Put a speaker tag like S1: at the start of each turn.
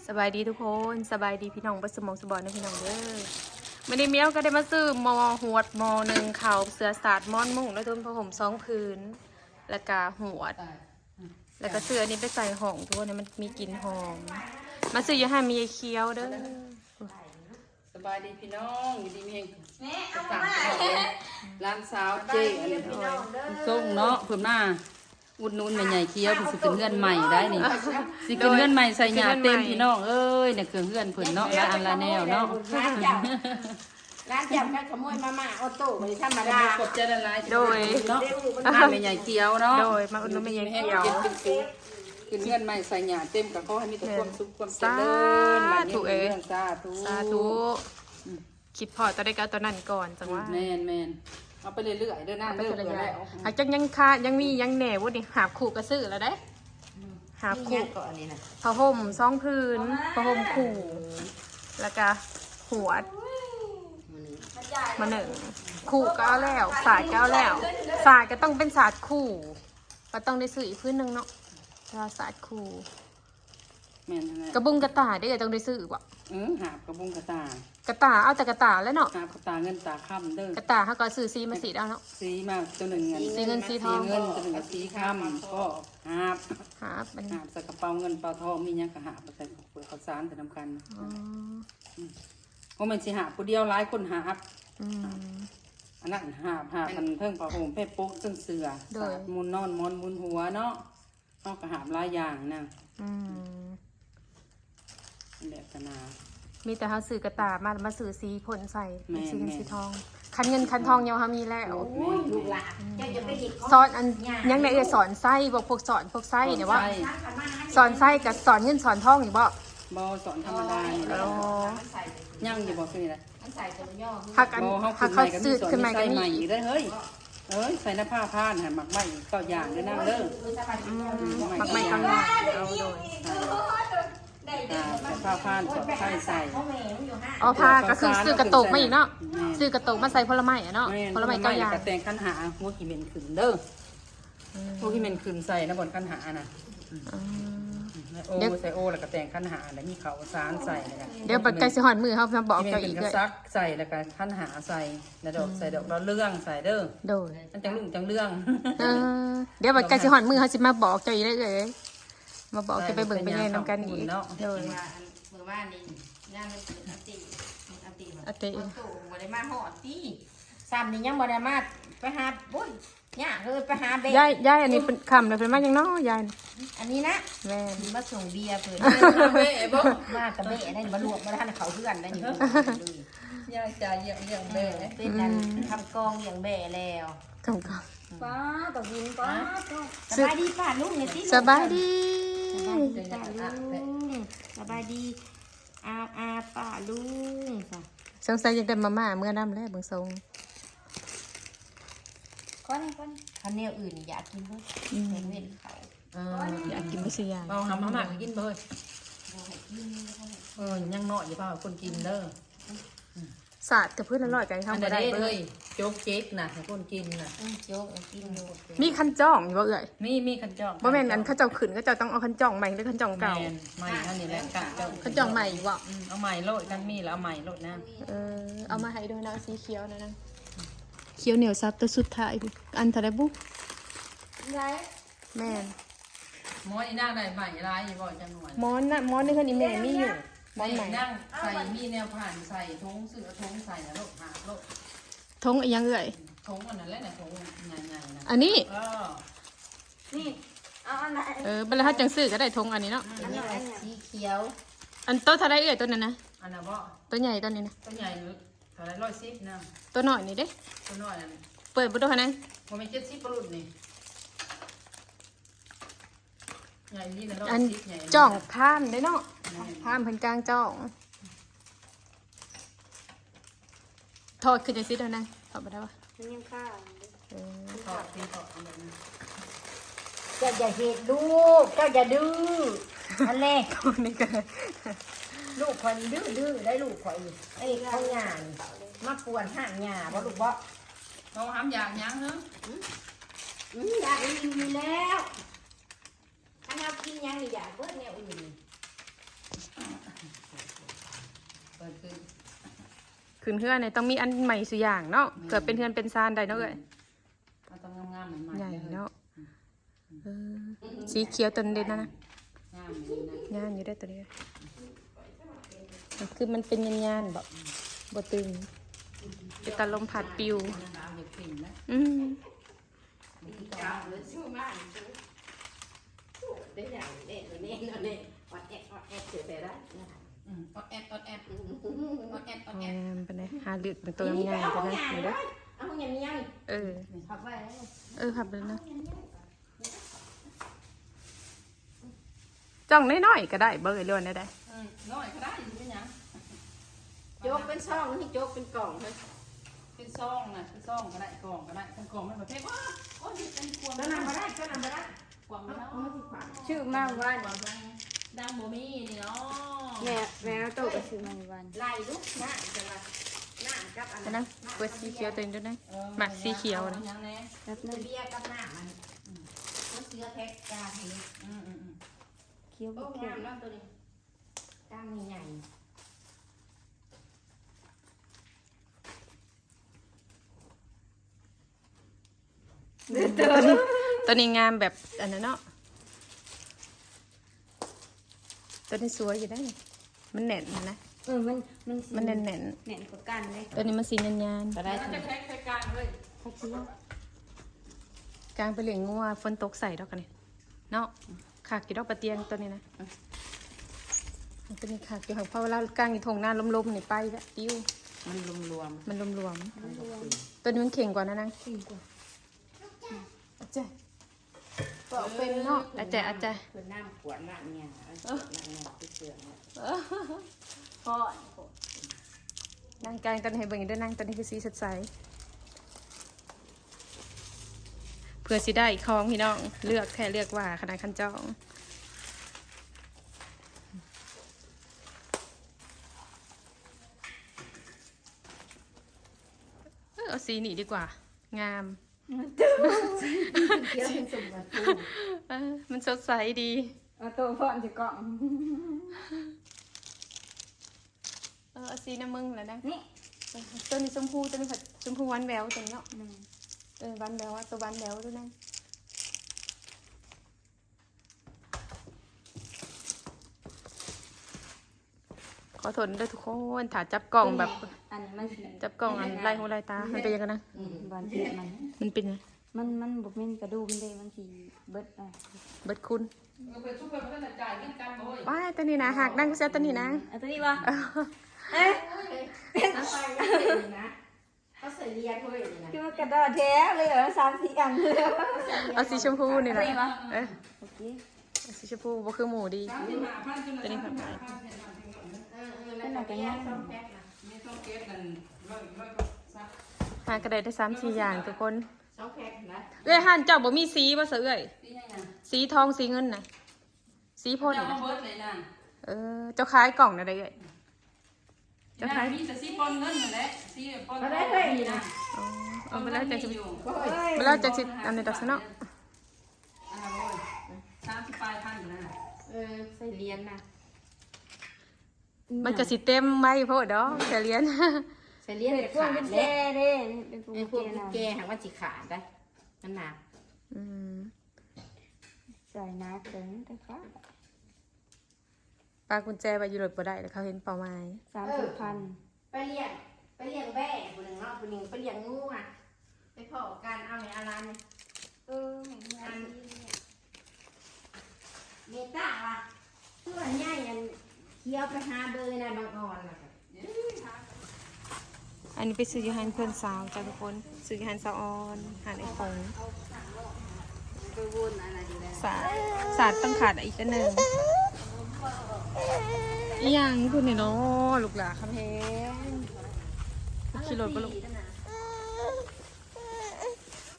S1: สบายดีทุกคนสบายดีพี่น้องบัสมองสบอนนะพี่น้องเด้อไม่ได้เมียวก็ได้มาซื้อมอหวดมอหนึ่งข่าวเสือสาดม้อนมุ่งแล้วทุนผ้าห่มสองพื้นแล้วก็หวดแล้วก็เสื้อนี้ไปใส่ห่องทุกคนเนี่ยมันมีกลิ่นหอมมาซื้ออย่าให้มีเคี้ยวเด้อ
S2: สบายดีพี่น้องอยู่ดีมีเองต่างร้านสาวเจ๊อะไรส่งเนาะเพิ่มหน้าอุดหนุนใหญ่ๆเคี้ยวเพิ่นสิเป็นเงื่อนใหม่ได้นี่สิเป็นเงื่อนใหม่ใส่หยาเต็มพี่น้องเอ้ยเนี่ยเครื่องเงื่อนเพิ่นเนาะละอันละแนวเนาะ
S3: ร้านจับขโมยมาม่าออโต้ไม่ธรรมดา
S2: ขอบใจละลาย
S1: โดย
S2: เนาะร้านใหญ่ๆเคี้ยวเนาะ
S1: โดยมาอุดหนุนไม่ยังเคี้ยว
S2: คือเงื่อนใหม่ใส่หยาเต็มกับเขาให้มีแต่ความสุขความเจริญมาเนี่ยเรื่องสาธุ
S1: คิดพอตอนได้ก็ตอนนั้นก่อนจังว่า
S2: แมนเอาไปเรื่อยๆเดินหน้าเรื่อยๆแล้ว
S1: หากจังยังค่ายังมียังแหน่วุ้นี่หาขู่กระซื้อแล้วได้หาขู่
S3: ก่อนนี่นะ
S1: ผ้าห่มสองพื้นผ้าห่มขู่แล้วก็หัวมาหนึ่งขู่ก็เอาแล้วสาดก็เอาแล้วสาดก็ต้องเป็นสาดขู่ก็ต้องได้ซื้ออีกพื้นหนึ่งเนาะเราสาดขู่กระบุงกระตาได้ต้องได้ซื้อว่ะ
S2: หาบกระบุงกระตาก
S1: ระตาเอาแต่กระตาแล้วเนาะ
S2: หาบกระตาเงินตาค่ำเด้อก
S1: ระตาเขาก็ซื้อซีมาสีเอาเนาะ
S2: สีมาตัวหนึ่งเงิน
S1: สีเงินสีทอง
S2: เงินตัวหนึ่งสีค่ำก็หาบใส่กระเป๋าเงินเป๋าทองมีเนี้ยก็หาบใส่เปลือกข้าวสารแต่น้ำกันเพราะมันสิหาผู้เดียวหลายคนหาบอันนั้นหาบมันเพิ่งผ้าห่มเพชรปุ๊กซึ่งเสือสาดมุนนอนมอนมุนหัวเนาะต้องกระหาบหลายอย่างนะแบบตนา
S1: มีแต่เขาซื้อกระตามาซื้อสีผลใส่สีเงินสีทองคันเงินคันทองยังเขามีแล้ว
S3: ลูกหลานจะไปหยิบ
S1: สอนอันยังไงสอนไส้บอกพวกสอนพวกไส้เนี่ยว่าสอนไส้กับสอนเงินสอนทองอยู่บ่
S2: สอนธรรมดาย่างอยู่บ่คืออะไร
S1: หักเขาซื้อขึ้นมากัน
S2: ใหม่อีกได้เฮ้ยใส่หน้าผ้าผ้านหันหมักใหม่ก็อย่างด้วยนั่งเด้อ
S1: หมักใหม่ก็ง่ายเอาโดย
S2: ใส่ผ้าผ้านสอดไส้ใส่
S1: อ๋อผ้าก็คือซื้อกระตุกมาอีกเนาะซื้อกระตุกมาใส่ผลไม้อะเนาะผลไม้ก็อย่าง
S2: กระแตงขั้นหาหัวขี้เหม็นขึ้นเด้อหัวขี้เหม็นขึ้นใส่นะบนขั้นหาน่ะโอ้ใส่โอ้แล้วก็แต่งขั้นหาแล้วมีเขาสารใส่เลย
S1: เดี๋ยวปัจจัยสิหอนมือเขามาบอก
S2: เจ้าอีกด้วยซักใส่แล้วก็ขั้นหาใส่แล้วดอกใส่ดอกเราเรื่องใส่เด้อ
S1: โดย
S2: มันจังลุ่งจังเรื่อง
S1: เดี๋ยวปัจจัยสิหอนมือเขาสิมาบอกเจ้าอีกได้เลยมาบอกจะไปเบิ่งไปเล่นน้ำกันอีกโดย
S3: เมื่อวานนี้ย่างมันเป็นอติตู่บ่ได้มาหอดตีซ้ำนี่ยังบ่ได้มาไปหาบุ้ยย่าเลยไปหาเบะ
S1: ยายอันนี้เป็นคำเลยเป็นมาอย่างน้อยาย
S3: อันนี้นะ
S1: แม่
S3: มาส่งเบียร์เพิ่นมากับเบะได้มาลวกมาทานเขาเพื่อนได้อยู่
S2: ยายจ่ายอย่างเบะ
S3: เป็นการทำกองอย่างเบะแล้ว
S1: กอง
S3: ป้าต้องกินป้าสบายดีป้าลุงเนี่ยสิ
S1: สบายดี
S3: สบายดีอาป้าลุง
S1: สงสัยยังได้มาม่าเมื่อน้ำแล้วเบิ่งทรง
S3: ก้อนข้าวเหนียวอื่นอยากกินเพิ่มเห็นเขา
S1: อยากกินไม่ใช่ยาย
S2: เอาทำมาม่ากินเพิ่มยังเนาะอย่าเปล่าคนกินเด้อ
S1: สาดกับเพื่อนอร่อยกันทำ
S2: มาได้เลยโจ๊กเจ๊กนะให้คนกินนะ
S3: โจ๊กกิน
S1: มีขันจ่องอยู่บ่เอ่ย
S2: มีขันจ่อง
S1: บ่แม่นอันข้าเจ้าขืนข้าเจ้าต้องเอาขันจ่องใหม่หรือขันจ่องเก่า
S2: ใหม่ท่านนี่แหละ
S1: ขันจ่องใหม่บ่
S2: เอาใหม่โลดกันมีแล้วเอาใหม่โลดนะ
S1: เอามาให้ด้วยนะสีเขียวนะเขียวเหนียวซับตัวสุดท้ายอันทะเลบุกแม่
S2: ม้อนอีนั่งได้ใหม่ร้ายบ่จังหวะ
S1: ม้อนนี่คันอีแม่มีอยู่
S2: ม้อนใหม่นั่งใส่มีแนวผ่านใส่ทงเสือทงใส่นะลูกหาลูก
S1: ทงยังเอ่ย
S2: ทงอันนั้นแหละนะทงใหญ่ๆนะ
S1: อันนี้
S3: นี่เอาอันไหน
S1: บรรทัดจังซื้อก็ได้ทงอันนี้เนาะ
S3: อันนี้สีเขียว
S1: อันโตทะเลเอ่ยตัวนั้นนะ
S2: อันนั้นบ่
S1: ตัวใหญ่ตัวนี้นะ
S2: ตัวใหญ่ทะเล110นะ
S1: ตัวน้อยนี่เด้
S2: ตัวน้อยนั่น
S1: เปิดบุตรนั้น
S2: ผมมี70ปรุดนี่ใหญ่นี่นะ
S1: อันจ่องพามได้เนาะพามเพิ่นกลางจ่องทอดขึ้นจะซิดแล้วนะทอดไปได้ปะ
S3: มันยังข้าว
S2: ทอดแบบนี้
S3: เจ้าอย่าเหตุลูกเจ้าอย่าดื้ออะไร
S1: นี่ก็
S3: ลูกคนดื้อได้ลูกข่อยไอ้ข้าวหยามาปวนห่างหยาบ่ลูกบ่
S2: เราห้ามอยากยังเนาะ
S3: อยากอิ่มแล้วถ้าเรากินยังอยากเบิดแนวอื่น
S1: ขึ้นเฮือนเนี่ยต้องมีอันใหม่สุอย่างเนาะเกิดเป็นเฮือนเป็นซานได้เนาะเอ้ย
S2: มันต้องงามๆใหม่ๆ
S1: ใหญ่
S2: เลย
S1: เนาะสีเขียวตัวเด่นนะ
S2: งามเลยนะ
S1: งานอยู่ได้ตัวนี้คือมันเป็นยันๆแบบบตึงเป็นตาลมผัดปิว
S2: เอาเห็ดปิ่นนะ
S1: อืม
S3: เจ้าเลยชื่อมากได้อย่างเด็กนี่นี่อดแอกเสียไปได้นะคะ
S2: อดแอดอดแอดอดแอดอด
S1: ง
S2: แอด
S1: ามไปเลยหาเลือกเป็นตัวงามๆกันนะเดี๋ยวเด้อ
S3: เอาห้องยังยัง
S1: เออ
S3: ขับไป
S1: ขับเลยนะจ้องน้อยๆก็ได้เบอร์ล้วนได้
S2: น้อยก็ได้อยู่เป็นยัง
S3: โจ๊กเป็นช่องนี่โจ๊กเป็นกล่องเลย
S2: เป็นซองนะเป็นซองก็ได้กล่องก็ได้ทั้งกล่องมันประเภทว่าโอ้ยเป็นควง
S3: ก็นำมาได้ก็นำมาได้
S2: ควงมาแล้ว
S4: ชื่อมาวัน
S2: ควงดังโมมี่นี่เนาะ
S4: แม่โตก็ชื่อมาวัน
S3: ไล่ลูกหน้าจะมาหน้ากับอัน
S1: ๆนะเปิดสีเขียวตัวนี้ด้วยนะหมักสีเขียวนะ
S2: ยังไง
S4: รับนึง
S3: เบียร์กับหน้ามันมันเสื้อแท็กจานนี้
S4: เคี้ยว
S3: โอ้
S4: เคี้ย
S3: งาว มแล้วตัวนี้กล้ามใหญ่
S1: ตัวนี้งามแบบอันนั้นเนาะตัวนี้สวยอยู่ได้นี่มันแน่นนะ
S4: มัน
S1: แน่น
S4: แน่นกว่ากันเลย
S1: ๆตัวนี้มันสียัน
S2: ก็ได้จะแท็กใส่กลางเลย
S4: เขาเคี้ยว
S1: ๆกลางไปเหลียงงัวฝนตกใส่ดอกกันนี่เนาะขากกี่ดอกปลาเตียงตัวนี้นะตัวนี้ขากอยู่ห่างเพราะเวลากลางอยู่ทงหน้าลมๆนี่ไปแบบติ้ว
S2: มันรวม
S1: มันรวมๆตัวนี้มันเข่งกว่านะนาง
S4: จริงกว่า
S1: อาจารย์บอกเป็นเนาะอาจารย์
S3: ๆคือน้ำขวดน้ำเนี่ยน้ำเนี่ยที่เสือเนี่ย
S4: พ่อน
S1: างกลางตอนนี้ให้เบิ่งด้วยนางตอนนี้คือสีสดใสเพื่อสิได้ของพี่น้องเลือกแค่เลือกว่าขนาดขั้นจองเอาสีนี้ดีกว่า งาม
S3: เคี้ยวเป็นสุ่มแบบ
S1: มันสดใสดี
S4: เอาโตพ่อนจะกล่อง
S1: เอาสีน้ำมึงแล้วนะ
S4: นี่
S1: ตัวนี้ชมพูตัวนี้ผัดชมพูหวานแหววตัวนี้เนาะหวานแหววอะตัวหวานแหววด้วยนะขอโทษด้วยทุกคนถ้าจับกล่องแบบ
S4: อันนี้มันสี
S1: จับกล่องอันไล่หูไล่ตา มันเป็นยังไงนะ
S4: บานเผ็ด
S1: มันเป็นไง
S4: มันบอกเป็นกระดูกมันเลยมันสีเบิดอ่ะ
S1: เบิดคุณ
S2: ไปช่วยเพื่อนจ่ายเงินกันโอ้ย
S1: ว้ายตัวนี้นะหักนั่งก็เสียตัวนี้นะ
S4: เอาตัวนี้วะเอ๊ะ
S3: น้ำไปนะเขาใส่เลียนด้วยนะ
S4: คือมันกระดาษแท้เลยเหรอ3-4 อันเลย
S1: เอาสีชมพูนี่แหละเอ้ย
S4: โอเค
S1: เอาสีชมพูบ่คือหมูดี ตัวนี้ผัดไป
S3: เป็นอะไรกันเนี่ยสองแพ็คนะ
S2: มีต้องเก็บกันร้อยซัก
S1: หากระไดได้3-4อย่างทุกคน
S3: สองแพ็คนะ
S1: เอ้ยหันเจ้าบ่มีสีบ่เสือเอ้ย
S2: นี่ยังไง
S1: สีทองสีเงินน่ะสีพ่น
S2: จะ
S1: น่ะ
S2: มาเบิร์ดเลยนะ
S1: เจ้าขายกล่องน่ะได้เอ้ย
S2: จะขายมีแต่ซีปนเงินนั่นแหละซีปนนี่นะ
S1: อ๋อเอาไปแล้วจะสิ
S2: อยู่
S1: ไปแล้วจะสิอันนี้ดอกซะเนาะ
S2: อันนั้นโอ้ย30ปลายพันอยู่นั่นน่ะ
S3: ใส่เลียนนะ
S1: มันก็สิเต็มไว้โพดดอกแต่เรียน
S3: ใส่เลียน
S4: พวก
S3: ขาด
S4: เป็น
S3: แล้
S4: แก่เด้เป็นพวก
S3: ไอ้พ
S4: เป็
S3: วน ก
S4: แก่นะ
S3: แกหางว่าจีขาดได้มันหนัก
S1: อืม
S4: ใส่นักเลยแต่ฟ้า
S1: ปลากุญแจไปอยู่รถบ่ได้แล้วเขาเห็นเป้าหมาย
S4: 30,000
S3: ไปเลี้ยงแบ่คนหนึ่งเนาะคนหนึ่งไปเลี้ยงงูอ่ะไปพอการเอาในอารัน
S4: อัน
S3: เมตาว่ะตัวใหญ่อันเคี้ยวไปหาเบอร์นะบางอ่อนน่ะ
S1: อันนี้ไปซื้อยูฮันเพื่อนสาวจ้าทุกคนซื้อยูฮันสาวออนหานไอ้คง
S4: ไปวนอะไรอยู่แล้ว
S1: ศาสตร์ต้องขาดอีกอันหนึ่งอีหยังพูดนี่เนาะลูกหลานคำแพงขี่รถปะลูก
S3: นั่นน่ะ